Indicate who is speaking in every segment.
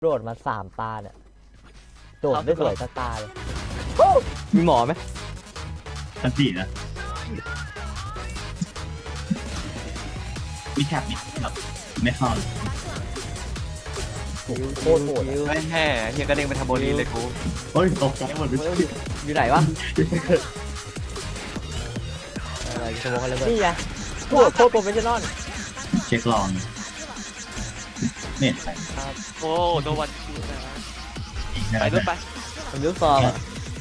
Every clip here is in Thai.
Speaker 1: โดดมา3 ตาเนี่ยโดดไม่สวยสักตาเลย
Speaker 2: มีหมอไหม
Speaker 3: อันสี่นะมีแท็บนิดแบบไม่เข้า
Speaker 1: โคตรโหดอะ
Speaker 2: ไม่แห่เฮียกระเด้งไปทำโบลีเลยกู
Speaker 3: โอ้ยตกใจหมดเลย
Speaker 2: อยู่ไหนวะ
Speaker 1: อะไรสมองอะไรนี่ไงโคตรโปรเฟชชั่นอล
Speaker 3: เช็คลองเนี่ย
Speaker 2: โอ้โนวันคิวนะ
Speaker 3: อีกนะ
Speaker 2: ไปด้วยไป
Speaker 1: ผมยุบซองอะ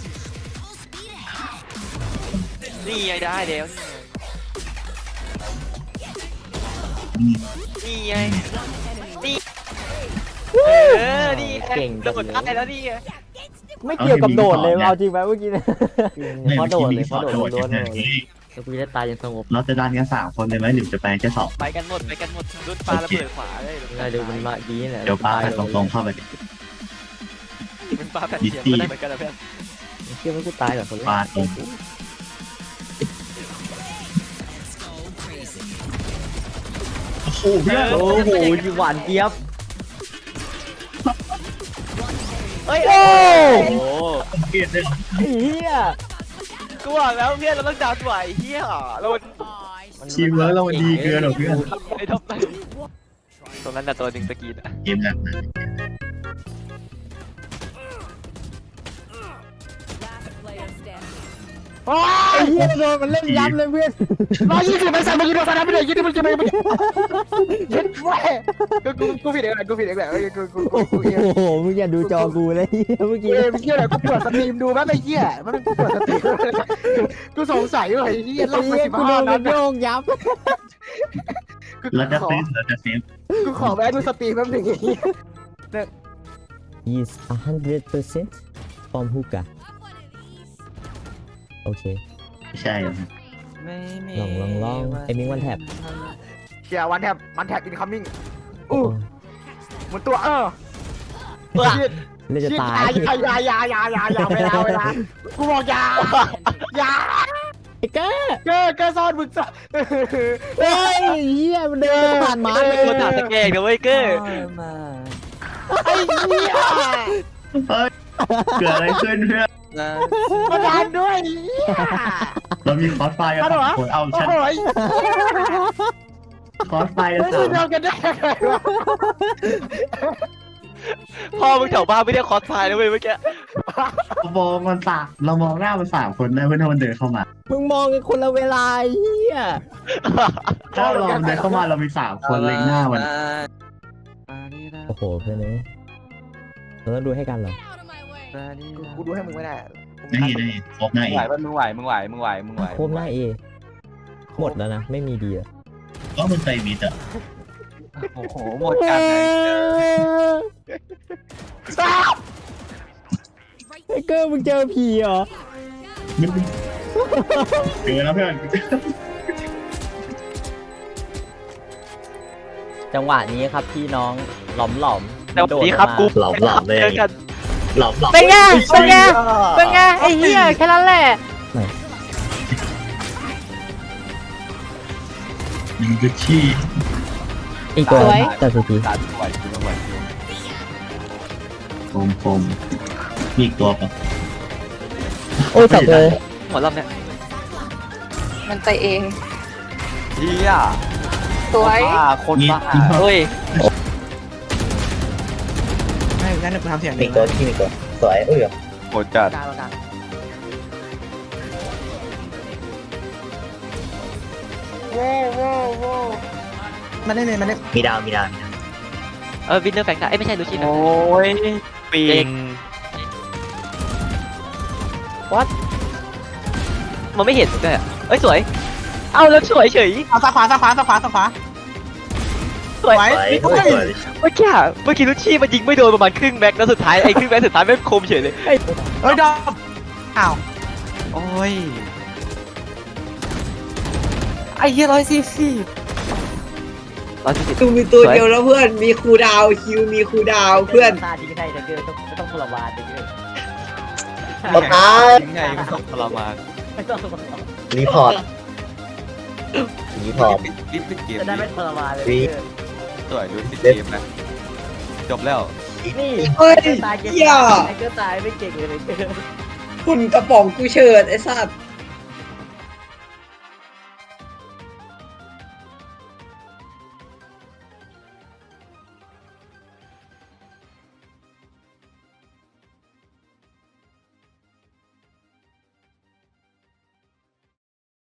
Speaker 2: นี่ไงได้เดี๋ยวนี่ไงนี่นี่
Speaker 1: เก่ง
Speaker 2: โดดได้แล้วนี่
Speaker 1: ไม่เกี่ยวกับโดดเลยเอาจริงไหมเมื่อกี้เนี่ย
Speaker 3: ไม่
Speaker 1: เพราะโดดเลย
Speaker 3: มี
Speaker 1: เพราะโดด
Speaker 3: โดด
Speaker 1: ล้วนๆ
Speaker 3: เล
Speaker 1: เลย
Speaker 3: ย
Speaker 1: แล้วกูได้ตายยังสงบ
Speaker 3: เราจะดันกัน3 คนเลยไหมหรือจะไปแค่2
Speaker 2: ไปกันหมดรุ่นปลาระเบิดขวาเลย
Speaker 1: ไงดูมันมาดีแหละ
Speaker 3: เดี๋ยวปาตรงๆเข้าไปดิ
Speaker 2: มันปลาแผ่นเสียงก็ได้เหมือนกันนะเพื่อน
Speaker 1: เชื่อว่ากูตายก่อนคนแร
Speaker 3: ปาก ตรงโอ้โหเพื่อน
Speaker 1: โอ้โหหวานเจี๊ยบ
Speaker 2: เฮ้ย
Speaker 1: โอ้
Speaker 2: โอ้
Speaker 3: เกลียดเลย
Speaker 1: เฮีย
Speaker 2: กูบอกแล้วเพื่อนเราต้องดาวไหวเฮียเรา
Speaker 3: ทีมเวิร์กเรามันดีเกินหรอเพื่อน
Speaker 2: ไอ้ทบไปตรงนั้นน่ะตัวหนึ่งตะกี้อ่ะ
Speaker 3: เกมแบบนั้น
Speaker 1: ไอ้เฮียโดนมันเล่นยับเลยเพื่อน
Speaker 4: 120มันสั่งมายิงโดนสนามไปเลยยิงที่มันจะไปยิงแม่กูผิดเองแหละกูผิดเองแหละกูเอง
Speaker 1: โอ้โหมึงอย่าดูจอกูเลยเมื่อ
Speaker 4: กู
Speaker 1: กี้
Speaker 4: เองเหี้ยอะไรกูเปิดสตรีมดูแม่งไอ้เหี้ยมันกูเปิดสตรีมกูสงสัยว่าไอ้เหี้ย
Speaker 1: ไอ้
Speaker 4: ลงไป
Speaker 1: เฮียกูโดน
Speaker 4: 15
Speaker 1: มั
Speaker 4: นั
Speaker 1: น
Speaker 4: ด
Speaker 1: โยงยับ
Speaker 3: เราจะเซฟเราจะเซฟ
Speaker 4: กูขอแวะดูสตรีมแป๊บนึงไอ้เหี้ย
Speaker 1: is 100% from hookah โอเค
Speaker 3: ใช่ครับ
Speaker 1: ลองไอ้มิงวันแท็บ
Speaker 4: เชียร์วันแท็บอินคัมมิ่งหมุนตัว
Speaker 1: เล่นจะตาย
Speaker 4: อย่าเวลากูบอกอย่า
Speaker 1: ไอ้เก้
Speaker 4: เกอซ่อนมึงซ่อน
Speaker 1: เฮ้ยเฮียมันเดินผ่านหมา
Speaker 2: เป็นคนด่าตะแกงนะเว้ยเก้
Speaker 4: ไอ้เหี้ย
Speaker 3: เฮ้ยเกิดอะไรขึ้นเพื่อน
Speaker 4: มาดันด้วยเหี้ย
Speaker 3: เรามีคอสไฟกัน3 คนเอา
Speaker 4: โอ้
Speaker 3: ฉัน
Speaker 4: โห
Speaker 3: คอสไฟกัน
Speaker 4: ไม่ได้เดียวกันได้ไงวะ
Speaker 2: พ่อมึงแถวบ้านไม่ได้คอสพายนะเว้ยเมื่อกี้
Speaker 3: เรามองมันเรามองหน้ามัน3 คนได้เพื่อนถ้ามันเดินเข้ามา
Speaker 1: มึงมองกันคนละเวลาเฮีย
Speaker 3: ถ้าเราเดินเข้ามาเรามี3 คนเล็งหน้ามัน
Speaker 1: โอ้โหเพื่อนเอ้ยเราต้องดูให้กันเหรอ
Speaker 4: กูดูให้มึงไม่ได้
Speaker 3: นี่ครบหน้าเอ
Speaker 2: ไหว
Speaker 3: ง
Speaker 2: ป่ะมึงไหวมึงไหวมึงไหวมึงไหว
Speaker 1: โคมหน้าเอหมดแล้วนะไม่มีดีอะ
Speaker 3: ก็มันใจมิดอ่ะ
Speaker 2: โอ้โหหมดกันเลย
Speaker 1: ไอ้เกอร์มึงเจอผีเหรอ
Speaker 3: เกินแล้วเพื่อน
Speaker 1: จังหวะนี้ครับพี่น้องหลอม
Speaker 2: แต่วันนี้ครับกู
Speaker 3: หลอมเลย
Speaker 2: เจอกัน
Speaker 3: หลอม
Speaker 1: เป็นไงเป็นไงเป็นไงไอ้เหี้ยแค่นั้นแหละ
Speaker 3: ยิงจะชี้
Speaker 1: อีกตัวแต่สุดที
Speaker 2: สารไหวจริงไหวจริง
Speaker 3: คมมีอีกตัวปะ
Speaker 1: โอ้ยจับเลย
Speaker 2: หมดรอบเนี้ย
Speaker 5: มันไปเอง
Speaker 2: เฮีย
Speaker 5: สวย
Speaker 2: คนบ้าเฮ้ย
Speaker 4: ไม่งั้นกูทำเสียง
Speaker 3: มีตัวที่มีตัวสวยเอ้ย
Speaker 2: โหดจัด
Speaker 4: กลางโว้มันได้เลยมันได้
Speaker 3: มีดาว
Speaker 2: วินเนอร์แฟงค์ได้ไม่ใช่ลูชินโอ้ยปีงวัดมันไม่เห็นเลยอ่ะเอ้ยสวยเอาแล้วสวยเฉย
Speaker 4: เอาซ้ายขวา
Speaker 2: สวย
Speaker 4: เฮ้ย
Speaker 2: เมื่อกี้ลูชี่มันยิงไม่โดนประมาณครึ่งแม็กแล้วสุดท้ายไอ้ครึ่งแม็กสุดท้ายไม่คมเฉยเลย
Speaker 4: เฮ้ยดอมอ้าว
Speaker 2: โอ้ยไอ้เหี้ย140
Speaker 5: ดูมีตัวเดียวแล้วเพื่อน มีคูดาวคิวมีคูดาวเพื่อน
Speaker 1: ตาดีก็ได้แต่เกอร์ต้องทรมานแต่เกอร์
Speaker 2: ยังไงมันต้องทรมาน
Speaker 1: ไม่ต้องทรมาน
Speaker 3: รีพอร์ต
Speaker 2: รีบปิดเกม
Speaker 1: จะได้ไม่ทรมานเลย
Speaker 2: สวยดูปิดเกมนะจบแล้วนี่
Speaker 5: เฮ้ย
Speaker 2: ตายเก่ง
Speaker 5: เหี้ย
Speaker 2: ไอ้เกอร์ตายไม่เก่งเลย
Speaker 5: คุณกระป๋องกูเฉิดไอ้สัตว์